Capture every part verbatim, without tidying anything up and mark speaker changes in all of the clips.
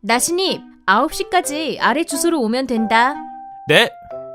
Speaker 1: 나신입, 아홉 시까지 아래 주소로 오면 된다.
Speaker 2: 네.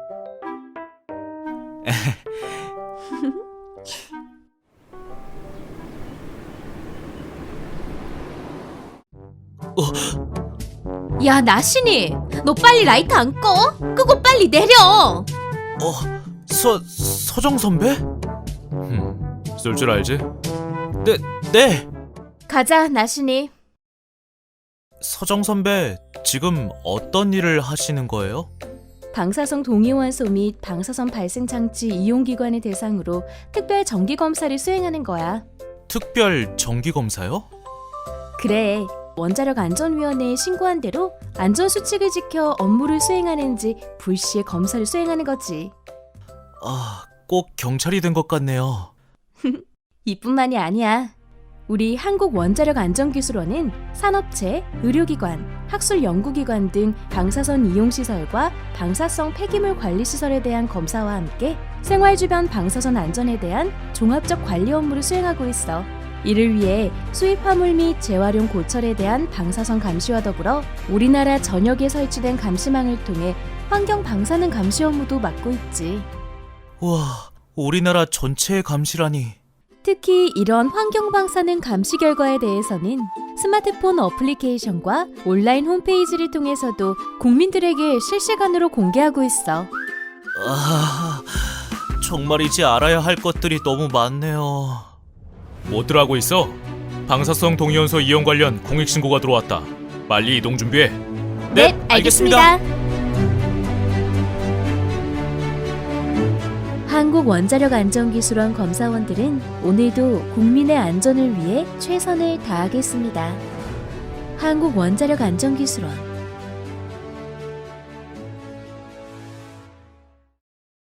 Speaker 2: 어,
Speaker 1: 야, 나신입, 너 빨리 라이트 안 꺼? 끄고 빨리 내려.
Speaker 2: 어, 서 서정 선배? 음, 쏠 줄 알지? 네, 네.
Speaker 1: 가자, 나신입.
Speaker 2: 서정 선배, 지금 어떤 일을 하시는 거예요?
Speaker 1: 방사성 동위원소 및 방사선 발생 장치 이용 기관을 대상으로 특별 정기 검사를 수행하는 거야.
Speaker 2: 특별 정기 검사요?
Speaker 1: 그래, 원자력 안전위원회에 신고한 대로 안전 수칙을 지켜 업무를 수행하는지 불시에 검사를 수행하는 거지.
Speaker 2: 아, 꼭 경찰이 된 것 같네요.
Speaker 1: 이뿐만이 아니야. 우리 한국원자력안전기술원은 산업체, 의료기관, 학술연구기관 등 방사선 이용시설과 방사성 폐기물 관리시설에 대한 검사와 함께 생활 주변 방사선 안전에 대한 종합적 관리 업무를 수행하고 있어. 이를 위해 수입 화물 및 재활용 고철에 대한 방사선 감시와 더불어 우리나라 전역에 설치된 감시망을 통해 환경 방사능 감시 업무도 맡고 있지.
Speaker 2: 우와, 우리나라 전체의 감시라니.
Speaker 1: 특히 이런 환경 방사능 감시 결과에 대해서는 스마트폰 어플리케이션과 온라인 홈페이지를 통해서도 국민들에게 실시간으로 공개하고 있어.
Speaker 2: 아, 정말이지 알아야 할 것들이 너무 많네요. 뭐들 하고 있어? 방사성 동위원소 이용 관련 공익 신고가 들어왔다. 빨리 이동 준비해.
Speaker 1: 네, 알겠습니다. 한국원자력안전기술원 검사원들은 오늘도 국민의 안전을 위해 최선을 다하겠습니다. 한국원자력안전기술원